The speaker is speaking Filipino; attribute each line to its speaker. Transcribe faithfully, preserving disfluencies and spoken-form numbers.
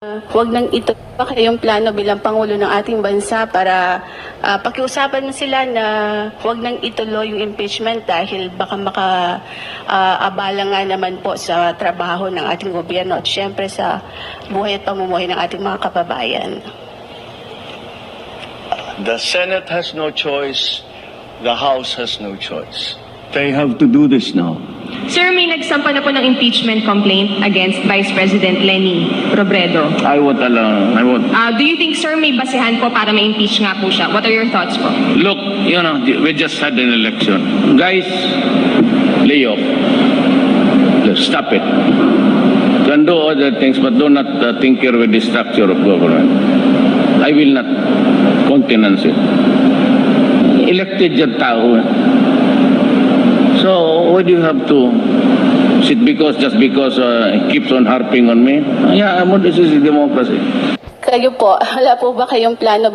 Speaker 1: Huwag nang ito pa kayong plano bilang Pangulo ng ating bansa para uh, pakiusapan mo sila na huwag nang ituloy yung impeachment dahil baka maka-abala uh, nga naman po sa trabaho ng ating gobyerno at syempre sa buhay at pamumuhay ng ating mga kababayan.
Speaker 2: The Senate has no choice. The House has no choice.
Speaker 3: They have to do this now.
Speaker 4: Sir, may nagsampa na po ng impeachment complaint against Vice President Leni Robredo.
Speaker 3: I won't allow, I won't.
Speaker 4: Uh, do you think, sir, may basehan po para ma-impeach nga po siya? What are your thoughts po?
Speaker 3: Look, you know, we just had an election. Guys, lay off. Stop it. You can do other things, but do not uh, tinker with the structure of government. I will not countenance it. Elected yung tao. So, why do you have to sit because, just because uh, he keeps on harping on me? Yeah, this is democracy.
Speaker 1: Kayo po, wala po ba kayong plano